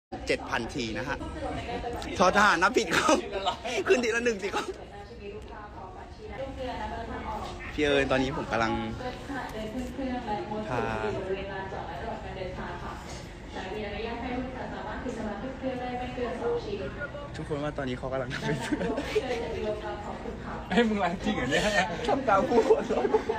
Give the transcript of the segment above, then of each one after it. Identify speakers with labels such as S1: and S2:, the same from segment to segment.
S1: 7,000 ทีนะฮะทอทหารนับผิดครับขึ้นทีละ1สิครับพี่เอิญตอนนี้ผมกำลังพาทุกคนว่าตอนนี้เขากำลังทำเป็น
S2: ให้มึงรังจริงเหรอเนี่ย
S1: ทำตามผู้คน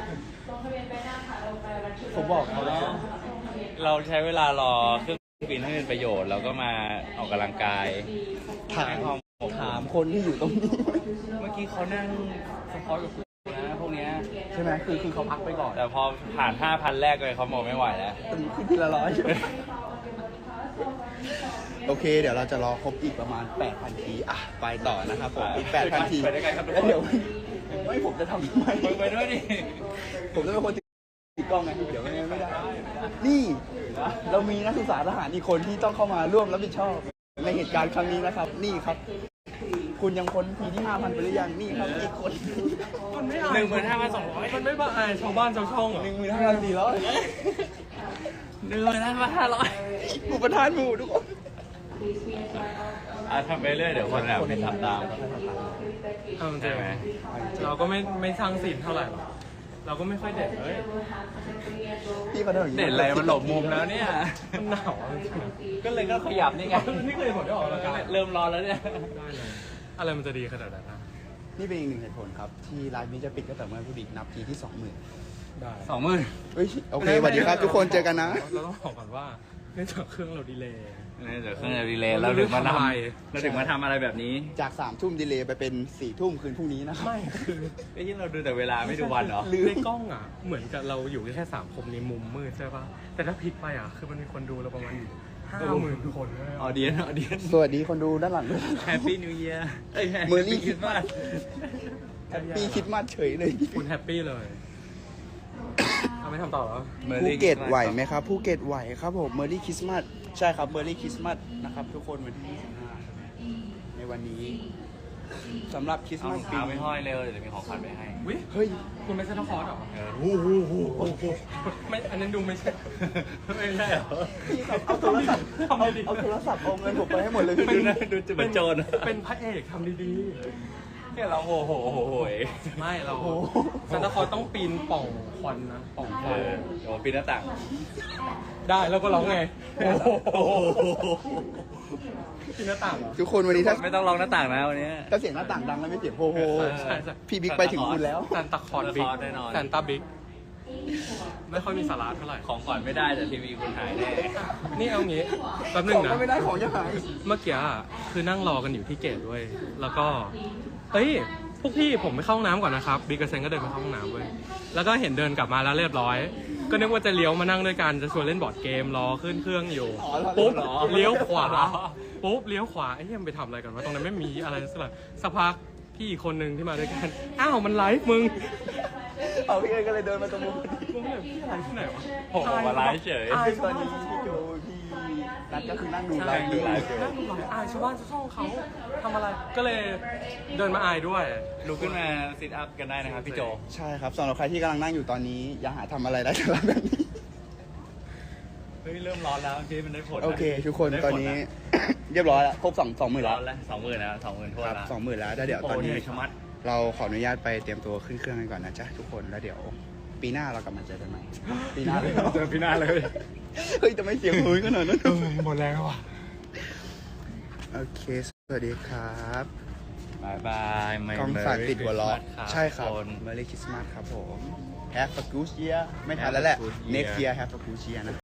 S1: ผมบอกเขาแล้ว
S2: เราใช้เวลารอเครื่องบินให้เป็นประโยชน์เราก็มาออกกำลังกาย
S1: ถามคนที่อยู่ตรงนี้
S2: เมื่อกี้เขานั่งสปอร์ตกับกูนะพวกเนี้ย
S1: ใช่ไหมคือเขาพักไปก่อน
S2: แต่พอผ่าน 5,000 แรกเลยเขาบอกไม่ไหวแล้ว
S1: ขึ้นทีละ100โอเคเดี๋ยวเราจะรอครบอีกประมาณ 8,000 ทีอ่ะไปต่อนะครับผมอีก 8,000 ทีแล้วเดี๋ยวไม่ผมจะทำทำไม
S2: ไปด้วยดิ
S1: ผมจะเป็นคนติดกล้องไงเดี๋ยวไม่ได้นี่เรามีนักศึกษาทหารอีกคนที่ต้องเข้ามาร่วมรับผิดชอบในเหตุการณ์ครั้งนี้นะครับนี่ครับคุณยังพ้นทีที่ 5,000 ไปหรือยังนี่ครับอีกคน
S2: มันไม่อ่าน15,200มันไม่บ้าชาวบ้านชาวช่อง
S1: 15,400ผู้ประธานหมู่ทุกคน
S2: ทำไปเรื่อยเดี๋ยวคนแบบไม่ทำตาม
S3: ใช่ไหมเราก็ไม่สร้างศีลเท่าไหร่หรอกเราก็ไม่ค่อยเด็ดเลย
S1: พี่เขาเ
S2: ด็ดอะไรมันหลบมุมแล้วเนี่ย
S3: มันหนาว
S2: ก็เลยก็ขยับนี่ไง
S3: นี่เคยผลได้ออกแล้ว
S2: เริ่มร้อนแล้วเนี่ย
S3: ได้เลยอะไรมันจะดีขนาดนั้นนะ
S1: นี่เป็นอีกหนึ่งเหตุผลครับที่ไลฟ์นี้จะปิดก็แต่เมื่อผู้ดีนับทีที่ 20,000
S3: ได้
S2: 20,000
S1: เฮ้ยโอเคสวัสดีครับทุกคนเจอกันนะ
S3: เราต้องบอกก่อนว่าเนื่องจากเครื่องเราดีเลย์
S2: เดี๋ยวเครื่องดีเลย์เราถึงมาทำอะไรแบบนี้
S1: จาก3 ทุ่มดีเลย์ไปเป็น4 ทุ่มคืนพรุ่งนี้นะครับ
S3: ไม่คือ
S2: ไอ้ที่เราดูแต่เวลาไม่ดูวันเหรอ
S3: ในกล้องอ่ะเหมือนกับเราอยู่แค่3 คนในมุมมืดใช่ป่ะแต่ถ้าพลิกไปอ่ะคือมันมีคนดูเราประมาณ50,000 คน
S2: ออเดียน
S1: สวัสดีคนดูด้านหลังด้วย
S2: Happy New Year
S1: เมอร์รี่คริสต์มาสแฮปปี้คริสต์มาสเฉยเลย
S3: คุณแฮปปี้เลยเอาไม่ทำต่อแล้ว
S1: ภูเก็ตไหวไหมครับภูเก็ตไหวครับผมเมอร์รี่คริสต์มาสใช่ครับเมอร์รี่คริสต์มาสนะครับทุกคนวันที่25ในวันนี้สำหรับคริสต์มาส
S2: ปีไม่ห้อยเร็วเดี๋ยวจะมีของขวัญไปให้
S1: เฮ้ย
S3: คุณไม่ใช่นักคอร์สหรอ
S2: โอ้โห
S3: ไม่อันนั้นดูไม่ใช่
S2: เหรอ
S1: เอาโทรศัพท์เอาเงินผมไปให้หมดเลย
S2: ดูจะเป็นโจร
S3: เป็นพระเอกทำดี
S2: ๆแค่เราโอ้โห
S3: ไม่เราซันตาคลอสต้องปีนป่องควันนะป่องควัน
S2: โอ้ปีนหน้าต่าง
S3: ได้แล้วก็ร้องไงปีนหน้าต่าง
S1: ทุกคนวันนี้ถ้า
S2: ไม่ต้องร้องหน้าต่างนะวันนี้
S1: ถ้าเสียงหน้าต่างดังแล้วไม่เสียงโฮโฮพี่บิ๊กไปถึงคุณแล้ว
S3: ซันตาคลอสบิ๊กซันตาบิ๊กไม่ค่อยมีสาระเท่าไหร่
S2: ของก่อนไม่ได้แต่ทีวีคุณหายแน่
S3: นี่เอางี้แป๊บนึงนะ
S1: ไม่ได้ของจะหาย
S3: เมื่อกี้คือนั่งรอกันอยู่ที่เกตด้วยแล้วก็เฮ้ยพวกพี่ผมไปเข้าห้องน้ำก่อนนะครับบิ๊กกับเซนก็เดินไปเข้าห้องน้ำเว้ยแล้วก็เห็นเดินกลับมาแล้วเรียบร้อยก็นึกว่าจะเลี้ยวมานั่งด้วยกันจะชวนเล่นบอร์ดเกมรอขึ้นเครื่องอยู่ปุ๊บเลี้ยวขวาปุ๊บเลี้ยวขวาไอ้เหี้ยไปทำอะไรกันวะตรงนั้นไม่มีอะไรสักพักพี่อีกคนนึงที่มาด้วยกันอ้าวมันไลฟ์มึง
S1: เอาพี่เอ๋ก็เลยเดินมาตรงมุม
S3: มึงเนี่ยพี่ไลฟ์ที่ไหนวะ
S2: ผมมาไลฟ์เฉย
S1: ตอนนี้พี่โจพี่นัทก็คือนั่งดูไลฟ์
S3: อายชาวบ้านชาวช่องเขาทำอะไรก็เลยเดินมาอายด้วย
S2: ลุกขึ้นมาซิทอัพกันได้นะครับพี่โจ
S1: ใช่ครับสำหรับใครที่กำลังนั่งอยู่ตอนนี้อย่าหาทำอะไรได้สำหรับแบบนี้
S2: เริ่มร้อนแล้วที่มันได้ผล
S1: โอเคทุกคนตอนนี้เรียบร้อยแล้วครบ20,000แล้ว
S2: 20,000แล้ว20,000ทั่วแล้ว
S1: 20,000แล้วเดี๋ยวตอนนี้เราขออนุญาตไปเตรียมตัวขึ้นเครื่องกันก่อนนะจ๊ะทุกคนแล้วเดี๋ยวปีหน้าเรากลับมาเจอกันใหม่ปีหน้าเลย
S2: เจอปีหน้าเลย
S1: เฮ้ยจะไม่เสียงหืนขนาดนั้น
S3: หมดแรงแล้วว่ะ
S1: โอเคสวัสดีครับ
S2: บาย
S1: กองฝากติดหัวล้อใช่ครับMerry Christmas ครับผม Have a good year ไม่ทันแล้วแหละ Next year Have a good year นะ